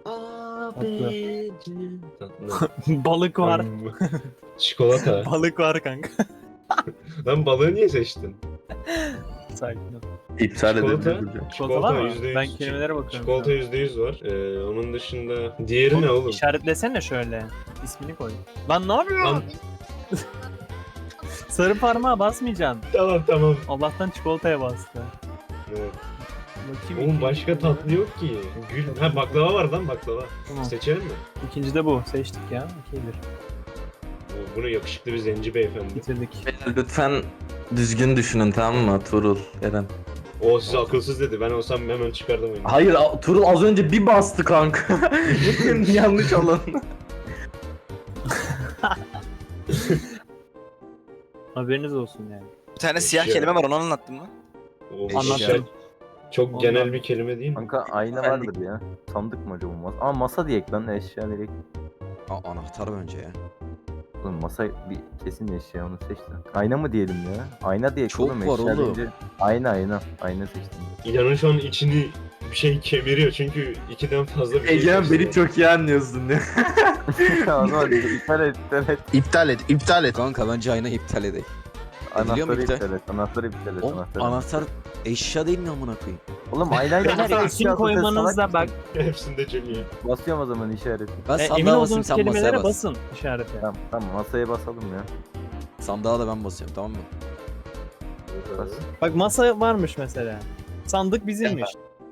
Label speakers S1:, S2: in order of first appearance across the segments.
S1: Abicim.
S2: Balık var.
S1: Çikolata.
S2: Balık var kanka.
S1: Lan balığı niye seçtin?
S2: Sakin ol.
S3: İptal
S1: Çikolata.
S3: edebilir.
S2: Çikolata var mı?
S1: %100.
S2: Ben kelimelere bakıyorum.
S1: Çikolata %100 var. Onun dışında diğeri ne oğlum?
S2: İşaretlesene şöyle. İsmini koy. Lan ne yapıyorsun?
S1: Lan,
S2: Sarı parmağa basmayacaksın.
S1: tamam.
S2: Allah'tan çikolataya bastı.
S1: Evet.
S2: Bakayım.
S1: Oğlum
S2: ikinci
S1: başka
S2: ne?
S1: tatlı yok ki. Gül. Ha baklava var lan baklava.
S2: Tamam.
S1: Seçelim mi?
S2: İkinci de bu. Seçtik ya. 2-1.
S1: Bunu yakışıklı bir zenci beyefendi.
S2: Bitirdik.
S3: Lütfen düzgün düşünün, tamam mı Tuğrul, Eren?
S1: O size akılsız dedi. Ben olsam hemen çıkardım oyunu.
S3: Hayır, Tuğrul az önce bir bastı kanka. Yanlış olan.
S2: Haberiniz olsun yani.
S4: Bir tane siyah
S1: Eşya.
S4: kelime var, onu anlattın mı?
S1: O
S4: Anlattım.
S1: şey, çok
S2: Ondan.
S1: genel bir kelime değil mi?
S5: Kanka ayna vardır ya. Sandık mı acaba masa? Ama masa diyek lan, eşya direkt.
S6: Anahtar bence ya.
S5: Oğlum masa bir kesin eşya, onu seç lan. Ayna mı diyelim ya? Ayna diyek
S6: Çok
S5: oğlum,
S6: var
S5: eşya
S6: oğlum.
S5: deyince. Ayna. Ayna seçtim.
S1: İlanın şu an içini bir şey kemiriyor çünkü ikiden fazla bir şey.
S3: Egemen
S1: seçti.
S3: beni çok iyi anlıyorsun ya.
S5: O zaman iptal et.
S6: İptal et. Kanka bence ayna iptal edelim. Ediliyor mu
S5: Anahtarı
S6: iptal?
S5: iptal et. Anahtarı iptal et.
S6: Oğlum anahtar eşya değil mi amına koyayım?
S5: Oğlum aynayla
S2: Beyler
S5: nasıl
S2: isim
S5: eşya
S2: koymanızda
S5: salak
S2: bak.
S5: mısın?
S1: Hepsinde Junior.
S5: Basıyorum o zaman işareti.
S6: Ben
S2: Emin
S6: sandığa basayım,
S2: olduğunuz
S6: sen masaya
S2: kelimelere
S6: bas.
S2: basın işarete.
S5: Tamam masaya basalım ya.
S6: Sandığa da ben basıyorum, tamam mı?
S5: Bas.
S2: Bak masa varmış mesela. Sandık bizimmiş.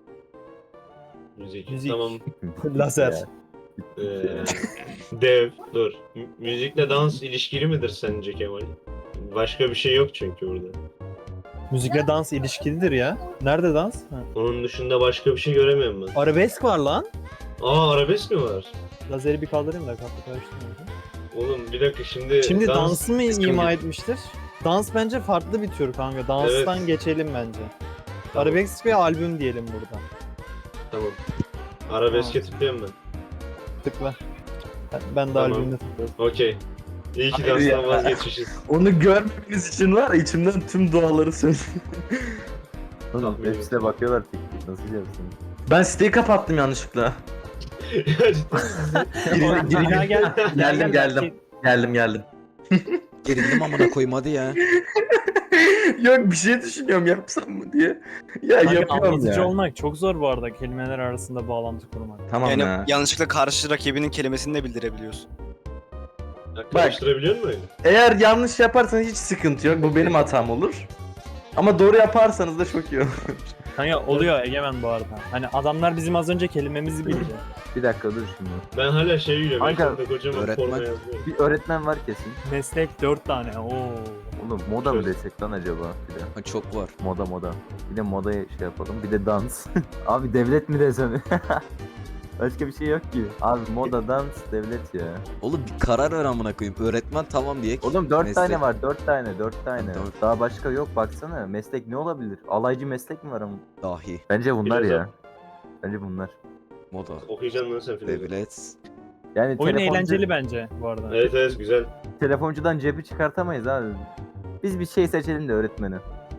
S2: Müzik.
S1: Tamam.
S2: Lazer.
S1: Ee, Dev. Dur. Müzikle dans ilişkili midir sence Kemal? Başka bir şey yok çünkü burada.
S2: Müzikle dans ilişkilidir ya. Nerede dans? Ha.
S1: Onun dışında başka bir şey göremiyorum ben.
S2: Arabesk var lan.
S1: Arabesk mi var?
S2: Lazeri bir kaldırayım da kapı karıştırmayayım.
S1: Oğlum bir dakika şimdi...
S2: Şimdi dansı mı
S1: kısmı
S2: ima
S1: gibi.
S2: etmiştir? Dans bence farklı bir tür kanka. Danstan
S1: Evet.
S2: geçelim bence.
S1: Tamam.
S2: Arabesk bir albüm diyelim burada.
S1: Tamam. Arabeske tıklayayım ben.
S2: Tıkla. Ben de
S1: Tamam.
S2: albümde tıklıyorum.
S1: Okey. İyi ki
S3: Hayır
S1: danstan
S3: ya.
S1: vazgeçmişiz.
S3: Onu görmemiz için var ya, içimden tüm duaları söylüyorum.
S5: Oğlum
S1: Tahmin
S5: hepsi de bakıyorlar tek. Nasıl yapsın?
S3: Ben siteyi kapattım yanlışlıkla.
S1: Ya ciddi misin?
S2: Ya gel.
S3: Geldim.
S6: Gerildim amına koyayım, hadi ya.
S3: Yok, bir şey düşünüyorum, yapsam mı diye. Ya
S2: Kanka,
S3: yapıyorum
S2: anlatıcı
S3: ya.
S2: olmak çok zor bu arada, kelimeler arasında bağlantı kurmak.
S3: Tamam
S4: Yani
S3: ya.
S4: yanlışlıkla karşı rakibinin kelimesini de bildirebiliyorsun.
S1: Karıştırabiliyor musun öyle?
S3: Eğer yanlış yaparsanız hiç sıkıntı yok. Bu benim hatam olur. Ama doğru yaparsanız da çok iyi olur.
S2: Kanka oluyor Egemen bu arada. Hani adamlar bizim az önce kelimemizi bildi.
S5: Bir dakika dur şimdi.
S1: Ben hala şey gülüyorum.
S5: Kanka,
S1: Kanka, kocaman
S6: öğretmen.
S1: forma yazıyorum.
S5: Bir öğretmen var kesin.
S2: Meslek 4 tane. Oo.
S5: Oğlum moda mı
S1: Şöyle.
S5: desek lan acaba? Bir de
S6: Ha, çok var.
S5: moda. Bir de modaya şey yapalım. Bir de dans. Abi devlet mi desem? Başka bir şey yok ki. Abi moda, dans, devlet ya.
S6: Oğlum bir karar ver amına koyayım. Öğretmen tamam diye.
S5: Oğlum 4
S6: Meslek.
S5: tane var. 4 tane.
S6: Dört.
S5: Daha başka yok, baksana. Meslek ne olabilir? Alaycı meslek mi var ama?
S6: Dahi.
S5: Bence bunlar
S1: Filozof.
S5: ya. Bence bunlar.
S6: Moda.
S1: Okuyacaksın lan sen filmi.
S6: Devlet.
S5: Yani
S2: Oyun eğlenceli bence bu arada.
S1: Evet güzel.
S5: telefoncudan cebi çıkartamayız abi. Biz bir şey seçelim de öğretmeni.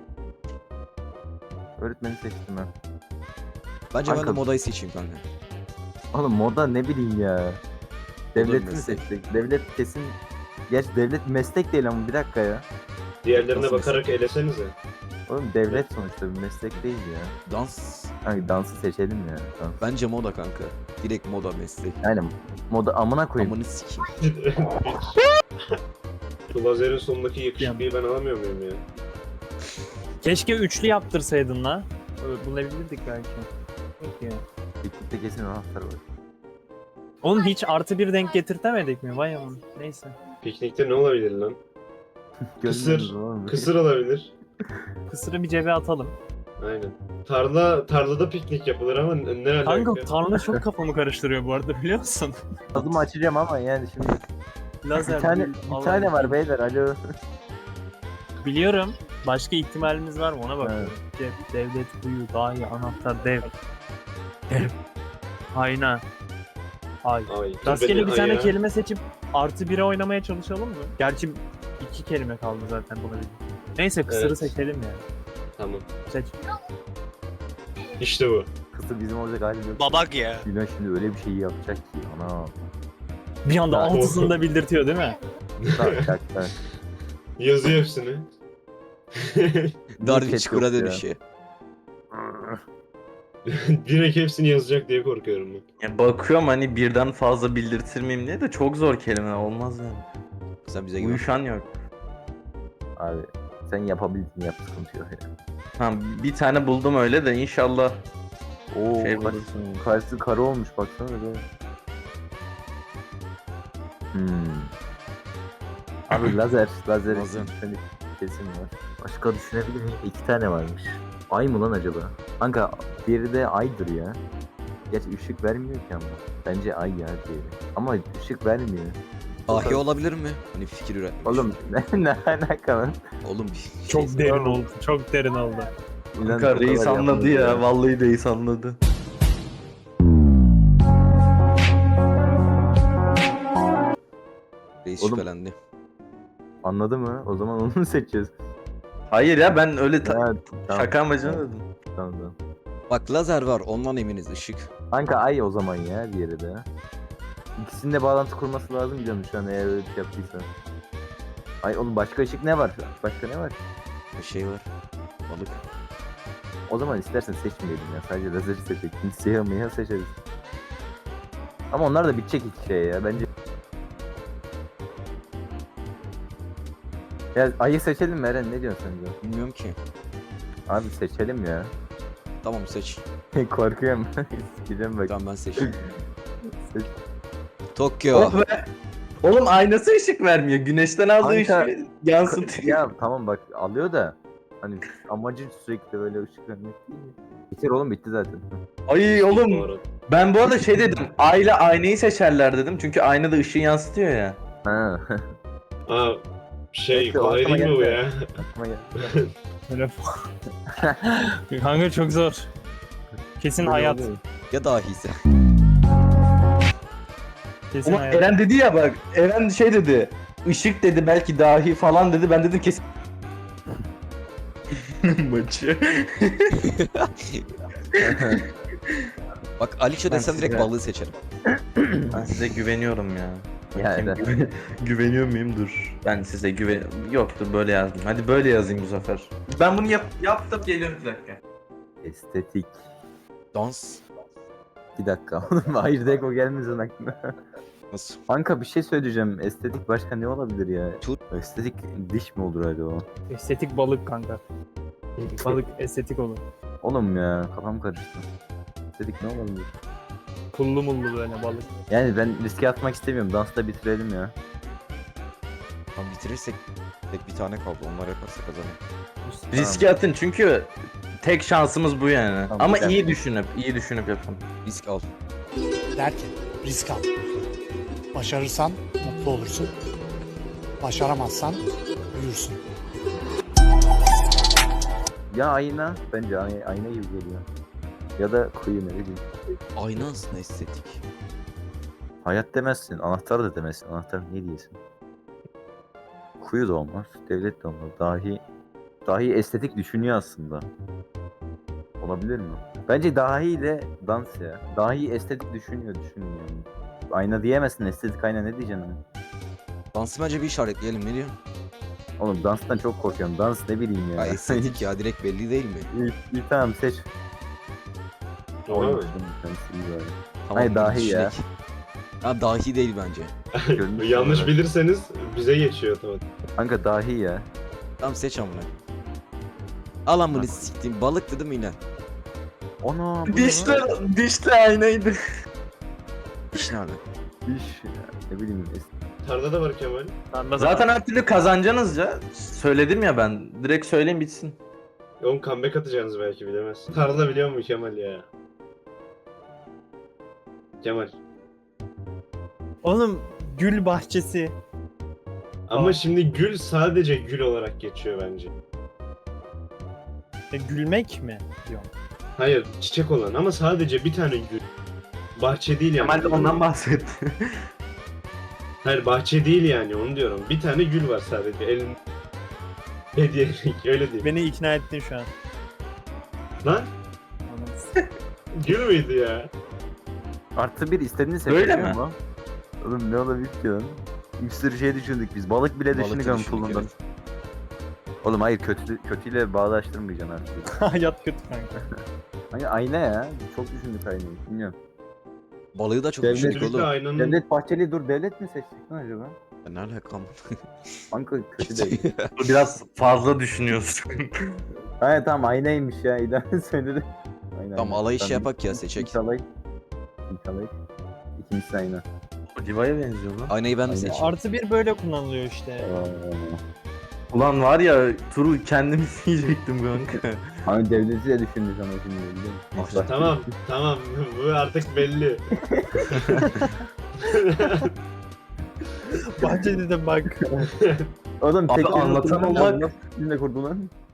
S5: Öğretmeni seçtim ben.
S6: Bence ben de
S5: Kanka.
S6: modayı seçeyim kanka.
S5: Oğlum moda ne bileyim ya. Devleti mi
S6: meslek.
S5: seçtik? Devlet kesin... Gerçi devlet meslek değil ama bir dakika ya.
S1: Diğerlerine
S6: Nasıl
S1: bakarak elesenize.
S5: Oğlum devlet sonuçta bir meslek değil ya.
S6: Dans.
S5: Hani dansı seçelim ya. Dans.
S6: Bence moda kanka. Direkt moda meslek.
S5: Yani moda amına koyayım.
S6: Amını sikeyim.
S1: Şu lazerin sonundaki yakışıklıyı ben alamıyor muyum ya?
S2: Keşke üçlü yaptırsaydın la. Bulabilirdik belki. Yok ya.
S5: Piknikte kesin anahtar var.
S2: Oğlum hiç artı bir denk getirtemedik mi? Vay aman. Neyse.
S1: Piknikte ne olabilir lan? Kısır.
S5: Görmüyoruz oğlum.
S1: Kısır olabilir.
S2: Kısırı bir cebe atalım.
S1: Aynen. Tarlada piknik yapılır ama ne alaka?
S2: Kanka tarla çok kafamı karıştırıyor bu arada, biliyor musun?
S5: Adımı açacağım ama yani şimdi
S2: Lazer.
S5: bir tane var beyler, alo.
S2: Biliyorum. Başka ihtimalimiz var mı ona bakıyorum. Cep, devlet, kuyu, dahi, anahtar, dev. Dev. Ayna. Ay.
S1: Ay,
S2: Rastgele bir
S1: ay
S2: tane
S1: ya.
S2: kelime seçip artı 1'e oynamaya çalışalım mı? Gerçi 2 kelime kaldı zaten buna. Neyse kısırı
S1: Evet.
S2: seçelim ya.
S1: Tamam.
S2: Seç.
S1: İşte bu.
S5: Kısır bizim olacak hali yok.
S4: Babak ya.
S5: Güneş şimdi öyle bir şey yapacak ki. Ana.
S2: Bir anda
S5: Ha.
S2: altısını da bildirtiyor değil mi?
S5: Tak tak tak.
S1: Yazıyor hepsini.
S6: Dar
S5: Niye
S6: bir
S5: chat
S6: çukura
S5: yok ya?
S6: dönüşüyor.
S1: Direkt hepsini yazacak diye korkuyorum ben.
S3: Ya bakıyorum hani birden fazla bildirtir miyim diye de çok zor kelime olmaz yani.
S6: Sen bize güven.
S3: Uyuşan yok.
S5: Abi sen yapabildin yap sıkıntı yok ya.
S3: Tamam bir tane buldum öyle de inşallah.
S5: Oo,
S3: Şey
S5: karşısı kara olmuş baksana be. Abi lazer
S6: Lazer.
S5: düşünelim kesin var. Başka düşünebilir miyim? 2 tane varmış. Ay mı lan acaba? Kanka diğeri de aydır ya. Gerçi ışık vermiyor ki ama. Bence ay ya diğeri. Ama ışık vermiyor.
S6: Dahi olabilir mi? Hani fikir üretmek.
S5: Oğlum ne alaka lan?
S6: Oğlum bir
S2: Çok
S6: şey-
S2: derin oldu. Çok derin oldu.
S5: İnan
S3: Kanka
S5: o
S3: reis
S5: kadar
S3: anladı
S5: yapmadı
S3: ya. Vallahi reis anladı.
S6: Reis
S5: Oğlum-
S6: şüphelendi.
S5: Anladı mı? O zaman onu mu seçeceğiz?
S3: Hayır ya ben öyle
S5: Ha, tamam,
S3: şaka amacına dedim.
S5: tamam, tamam.
S6: Bak lazer var ondan eminiz ışık.
S5: Kanka ay o zaman ya diğeri de. İkisinde bağlantı kurması lazım diyorum şu an eğer öyle bir şey yaptıysa. Ay oğlum başka ışık ne var? Başka ne var?
S6: Bir şey var. Balık.
S5: O zaman istersen seçmeyelim ya. Sadece lazeri seçecek. Siyah mıyah seçeriz. Ama onlar da bitecek iki şey ya. Bence. Ya ayı seçelim mi Eren? Ne diyorsun sen de?
S6: Bilmiyorum ki.
S5: Abi seçelim ya.
S6: Tamam seç.
S5: Korkuyorum. Gideceğim bak.
S6: Tamam ben seçtim.
S5: Seç.
S6: Tokyo.
S3: Oh be. Oğlum aynası ışık vermiyor. Güneşten aldığı
S5: Kanka-
S3: ışığı yansıtıyor.
S5: Ya tamam bak alıyor da. Hani amacı sürekli böyle ışık vermek değil mi? Bitir oğlum bitti zaten.
S3: Ay
S1: Bu
S3: oğlum
S1: arada.
S3: ben bu arada şey dedim. Ayla aynayı seçerler dedim. Çünkü ayna da ışığı yansıtıyor ya.
S5: Ha.
S1: Aa, şey
S5: Neyse,
S1: kolay
S5: aklıma
S1: değil mi bu
S5: geldi.
S1: ya?
S5: Aklıma geldi.
S2: Böyle Kanka çok zor. Kesin
S5: Böyle
S2: hayat.
S5: oluyor.
S6: Ya dahiyse.
S2: Kesin
S3: Ama
S2: hayat.
S3: Eren dedi ya bak. Eren şey dedi. Işık dedi belki dahi falan dedi. Ben dedim kesin. Maçı.
S6: Bak Aliço
S3: Ben
S6: desem direkt
S3: size-
S6: balığı seçerim.
S3: Ben size güveniyorum ya.
S5: Ya
S3: Bakayım,
S5: Eren.
S3: güveniyor muyum? Dur. Ben size yoktur böyle yazdım. Hadi böyle yazayım bu sefer. Ben bunu yaptım geliyorum bir dakika.
S5: Estetik.
S6: Dans.
S5: Bir dakika oğlum hayır deko gelmesin aklına.
S6: Nasıl?
S5: Kanka bir şey söyleyeceğim. Estetik başka ne olabilir ya?
S6: Tut.
S5: Estetik diş mi olur acaba?
S2: Estetik balık kanka. Balık estetik olur.
S5: Oğlum ya kafam karıştı. Estetik ne olabilir?
S2: Pullu mullu böyle balık.
S5: Yani ben riske atmak istemiyorum. Dansta bitirelim ya.
S6: Tamam bitirirsek tek bir tane kaldı. Onlar yaparsa kazanır.
S3: Riske atın çünkü tek şansımız bu yani.
S5: Tamam,
S3: Ama
S5: güzel.
S3: iyi düşünüp yapın.
S6: Risk al.
S7: Derken risk al. Başarırsan mutlu olursun. Başaramazsan büyürsün.
S5: Ya ayna. Bence ayna gibi geliyor. Ya da kuyu ne bileyim.
S6: Ayna aslında estetik.
S5: Hayat demezsin. Anahtar da demezsin. Anahtar ne diyesin? Kuyu da olmaz. Devlet de olmaz. Dahi estetik düşünüyor aslında. Olabilir mi? Bence dahi ile dans ya. Dahi estetik düşünüyor yani. Ayna diyemezsin. Estetik ayna ne diyeceksin? Hani?
S6: Dansı bence bir işaretleyelim ne diyorsun?
S5: Oğlum danstan çok korkuyorum. Dans ne bileyim ya.
S6: Ya estetik ya direkt belli değil mi?
S5: İyi tamam seç.
S1: Tamam mı?
S6: Tamam,
S5: Hayır, dahi
S6: düşünek.
S5: ya.
S6: Ha dahi değil bence.
S5: Görünüş
S1: Yanlış
S5: olarak.
S1: bilirseniz bize geçiyor tamam.
S5: Kanka dahi ya.
S6: Tamam seç amına. Al amını siktiğim balık dedim yine.
S5: Ana. bu ne
S3: Dişli,
S5: lan?
S3: dişli aynaydı.
S6: İş nerede?
S5: Diş ya. Ne bileyim.
S1: Tarda da var Kemal.
S3: Zaten her türlü kazanacaksınız ya. Söyledim ya ben. Direkt söyleyin bitsin.
S1: Oğlum comeback atacaksınız belki bilemezsin. Tarda biliyor mu Kemal ya? Kemal.
S2: Oğlum gül bahçesi.
S1: Ama şimdi gül sadece gül olarak geçiyor bence.
S2: Gülmek mi diyorum.
S1: Hayır çiçek olan ama sadece bir tane gül. Bahçe değil yani.
S3: Kemal de ondan bahsetti.
S1: Hayır bahçe değil yani onu diyorum. Bir tane gül var sadece elin. Hediyelik öyle değil.
S2: Beni ikna ettin şu an.
S1: Lan
S2: Anladın.
S1: Gül müydü ya?
S5: Artı bir istediğini
S3: Öyle
S5: seçebiliyor
S3: mi?
S5: mu? Oğlum ne olabilir ki lan? Bir sürü şey düşündük biz. Balık bile
S6: Balık
S5: düşündük
S6: da
S5: ama
S6: düşündük,
S5: pulundan.
S6: evet.
S5: Oğlum hayır kötüyle bağdaştırmayacaksın artık.
S2: Hayat kötü kanka.
S5: Hani ayna ya. Çok düşündük aynayı. Bilmiyorum.
S6: Balığı da çok
S5: Devlet-
S6: düşündük
S1: Kötülükle
S6: oğlum.
S1: aynanın
S5: Devlet Bahçeli dur devlet mi seçtik lan acaba?
S6: Ne alakam?
S5: Kanka kötü değil.
S3: Biraz fazla düşünüyorsun.
S5: Hayır tamam aynaymış ya. İlhan söyledi. Aynen.
S6: Tamam alayı şey yapak ya seçek.
S5: İlk alay. İkincisi ayna.
S3: Diva'ya benziyor lan.
S6: Aynayı ben de
S5: Aynen.
S6: seçeyim.
S2: Artı bir böyle kullanılıyor işte.
S3: Ulan var ya turu kendimiz yiyecektim kanka.
S5: Hani devleti de düşündük ama şimdi biliyor musun?
S1: Tamam tamam bu artık belli.
S2: Bahçede de bak.
S5: Oğlum
S3: Abi
S5: tek
S3: anlatan olmak-
S5: Nasıl cümle kurdu lan?